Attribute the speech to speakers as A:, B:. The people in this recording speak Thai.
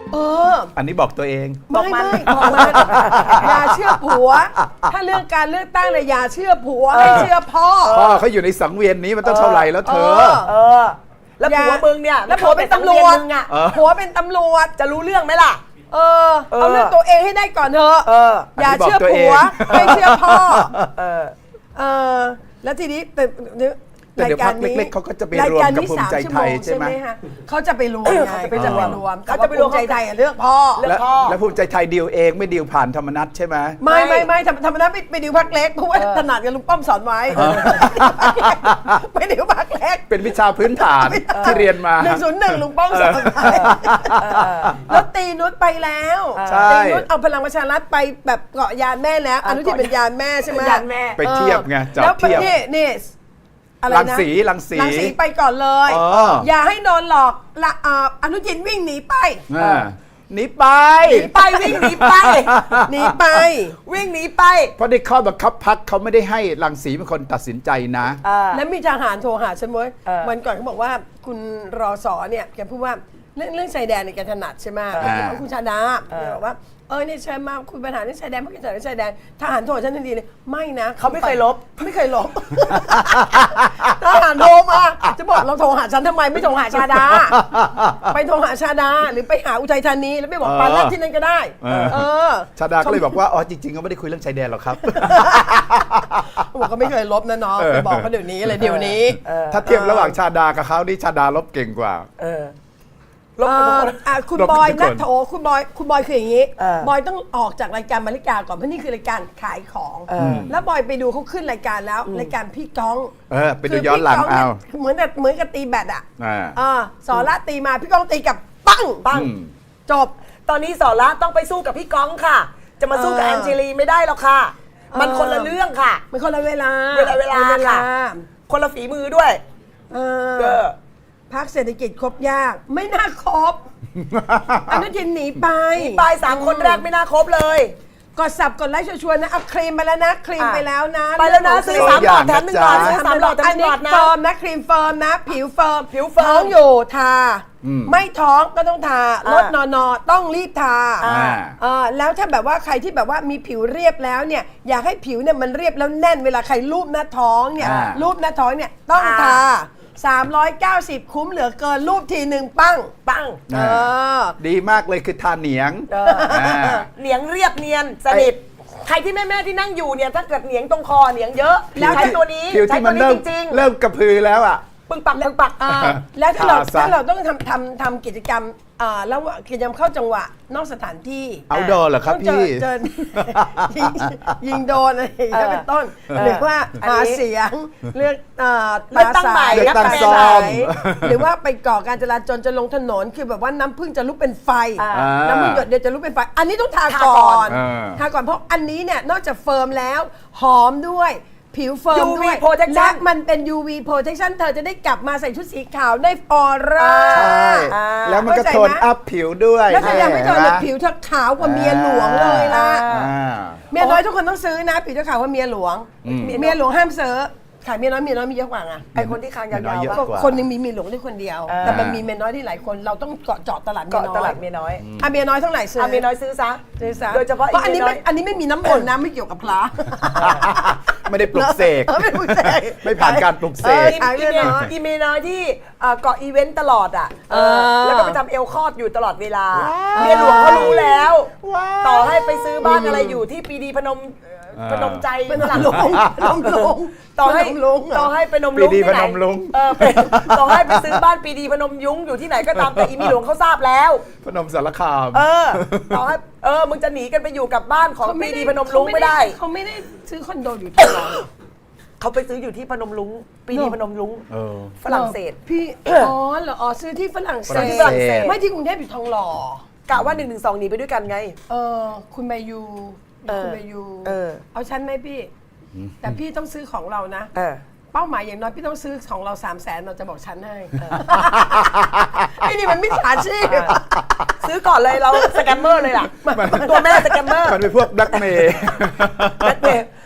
A: อันนี้บอกตัวเอง
B: ไม่บอกมันอย่าเชื่อผัว ถ้าเรื่องการเลือกตั้งเนี่ยอย่าเชื่อผัวให้เชื่อพ่อ
A: เขาอยู่ในสังเวียนนี้มันต้องเท่าไหร่แล้วเธอ
C: แล้วผัวมึงเนี่ย
B: แล้วผัวเป็นตำรวจผัวเป็นตำรวจ
C: จะรู้เรื่องไหมล่ะ
B: เอาเรื่องตัวเองให้ได้ก่อนเถอะอย่าเชื่อผัวให้เชื่อพ่อแล้วทีนี้
A: แต่เดี๋ยวพักเล็กๆเขาก็จะไปรวมกับภูมิใจไทยใช่ไหม
B: เขาจะไปรวมไงเขาจะไปรวมเขาจะไปรวมภูมิใจไทยเลือกพ่อ
A: แล้วภูมิใจไทยดีลเองไม่ดีลผ่านธรรมนัสใช่ไหม
B: ไม่ธรรมนัสไปดีลพรรคเล็กเพราะว่าถนัดกับลุงป้อมสอนไว้ไปดีลพรรคเล็ก
A: เป็นวิชาพื้นฐานที่เรียนมา
B: 101ลุงป้อมสอนไว้แล้วตีนุชไปแล้วตีนุชเอาพลังประชารัฐไปแบบเกาะยานแม่แล้วอนุทินเป็นยานแม่ใช่ไหม
C: ยานแม่
A: ไปเทียบไงจับเทียบ
B: นี่
A: รังสี
B: ไปก่อนเลยอย่าให้โดนหลอกอนุทินวิ่งหนีไป
A: หนีไป
C: วิ่งหนีไปวิ่งหนีไป
A: เพราะในข้อบังคับพรรคเขาไม่ได้ให้รังสีเป็นคนตัดสินใจนะ
B: แล้วมีทหารโทรหาฉันเว้ยวันก่อนเขาบอกว่าคุณรอสอเนี่ยแกพูดว่าเรื่องชายแดนเนี่ยแกถนัดใช่ไหมคุณชาดาบอกว่าเนี่ยใช่มาคุณปัญหาเรื่องชายแดนเพราะแกถนัดเรื่องชายแดนทหารโทรฉันทันทีเลยไม่นะ
C: เขาไม่เคยลบ
B: ทหารโทรมาจะบอกเราโทรหาฉันทำไมไม่โทรหาชาดาไปโทรหาชาดาหรือไปหาอุทัยธานีแล้วไปบอกปาลัดที่นั่นก็ได้
A: ชาดาก็เลยบอกว่าจริงๆก็ไม่ได้คุยเรื่องชายแดนหรอกครับ
B: บอกก็ไม่เคยลบนะน้องไปบอกเขาเดี๋ยวนี้เลยเดี๋ยวนี้
A: ถ้าเทียบระหว่างชาดากับเขานี่ชาดาลบเก่งกว่า
B: คุณบอยนัทโถคุณบอยคืออย่างนี้บอยต้องออกจากรายการมาริกาก่อนเพราะนี่คือรายการขายของแล้วบอยไปดูเขาขึ้นรายการแล้วรายการพี่ก้อง
A: ไปดูย้อนหลังเอา
B: เหมือนกับตีแบดสอนละตีมาพี่ก้องตีกับปังจบ
C: ตอนนี้สอนละต้องไปสู้กับพี่ก้องค่ะจะมาสู้กับแอนเจลีไม่ได้แล้วค่ะมันคนละเรื่องค่ะ
B: มันคนละเวลา
C: ค่ะคนละฝีมือด้วย
B: พรรคเศรษฐกิจครบยากไม่น่าครบอนุทินหนีไป
C: 3 คนแรกไม่น่าครบเลย
B: กดสับกดไลค์ชวนๆนะเอาครีมไปแล้วนะครีมไปแล้วนะ
C: ไปแล้วนะซื้อ3 หลอดแถม1 หลอดซื้อ3 หลอดแถม1 หลอดนะ
B: เฟิร์มนะครีมเฟิร์มนะผิวเฟิร์มท้องอยู่ทาไม่ท้องก็ต้องทาลดนอนต้องรีบทาแล้วถ้าแบบว่าใครที่แบบว่ามีผิวเรียบแล้วเนี่ยอยากให้ผิวเนี่ยมันเรียบแล้วแน่นเวลาใครรูปหน้าท้องเนี่ยรูปหน้าท้องเนี่ยต้องทา390คุ้มเหลือเกินรูปทีหนึ่งปัง
A: ดีมากเลยคือทาเหนียง
C: เหนียงเรียบเนียนสนิทใครที่แม่ที่นั่งอยู่เนี่ยถ้าเกิดเหนียงตรงคอเหนียงเยอะแล้วใช้ตัวนี้
A: ใช้ตัวนี้จริงๆเริ่มกระพือแล้วอ่ะ
C: ปึ้งปัก
B: แล้วถ้าเราต้องทำกิจกรรมแล้วกิจกรรมเข้าจังหวะนอกสถานที่
A: เอาดอเหรอครับพี่
B: ยิงโดนอะไรอย่างเงี้ยเป็นต้นหรือว่าหาเสียงเลือก
C: ตั้งใหม่
A: ตั้งซ้อม
B: หรือว่าไปก่อการจราจรจะลงถนนคือแบบว่าน้ำผึ้งจะลุกเป็นไฟน้ำผึ้งหยดเดียวจะลุกเป็นไฟอันนี้ต้องทาก่อนเพราะอันนี้เนี่ยนอกจากเฟิร์มแล้วหอมด้วยผิวเฟิร์มด้วยและมันเป็น UV protection เธอจะได้กลับมาใส่ชุดสีขาวได้ออร่า
A: แล้วมันก็โทนอัพผิวด้วย
B: แล้วถ้ายังไม่โทนผิวเธอขาวกว่าเมียหลวงเลยล่ะเมียน้อยทุกคนต้องซื้อนะผิวเธอขาวกว่าเมียหลวงเมียหลวงห้ามซื้อขายเมียน้อยมีเยอะกว่าไง
C: ไอคนที่คางยาว
B: ๆคนนึงมีเมียหลวงได้คนเดียวแต่มันมีเมียน้อยที่หลายคนเราต้องเจาะตลาดเมียน้อยเมียน้อยเท่าไหร่ซื้อ
C: เมียน้อยซื้อซะ
B: โดยเฉพาะอันนี้ไม่มีน้ำมนต์นะไม่เกี่ยวกับพระ
A: ไม่ได้ปลุกเสกไม่ผ่านการปลุกเสก
C: อีเมียน้อยที่เกาะอีเวนต์ตลอดอ่ะแล้วก็ไปทำเอลคอดอยู่ตลอดเวลาเมียหลวงเขารู้แล้วต่อให้ไปซื้อบ้านอะไรอยู่ที่ปีดีพนมใจ
B: เป็นหลังลง
C: ต่อให้ไปนมลุงที่ไหนต่อให้ไปซื้อบ้านปีดีพนมยุ้งอยู่ที่ไหนก็ตามแต่อีเมียหลวงเขาทราบแล้ว
A: พนมสารคาม
C: ต่อให้มึงจะหนีกันไปอยู่กับบ้านของปีดีพนมลุงไม่ได้
B: เขาไม่ได้ซื้อคอนโดอยู่ที่เรา
C: เขาไปซื้ออยู่ที่พนมลุงปีดีพนมลุงฝรั่งเศส
B: พี่เหรอซื้อที่ฝรั่งเศสไม่ที่กรุงเทพอยู่ทองหล่อก
C: ะว่า112หนีไปด้วยกันไง
B: คุณมายูคุณมายูเอาฉันไหมพี่แต่พี่ต้องซื้อของเรานะเป้าหมายอย่างน้อยพี่ต้องซื้อของเรา300,000เราจะบอกฉันให้ไอ้นี่มันมิจฉาชีพ
C: ซื้อก่อนเลยเราสแกมเมอร์เลยล่ะตัวแม่สแกมเมอร์
A: มันเป็นพวกแบล็กเมย์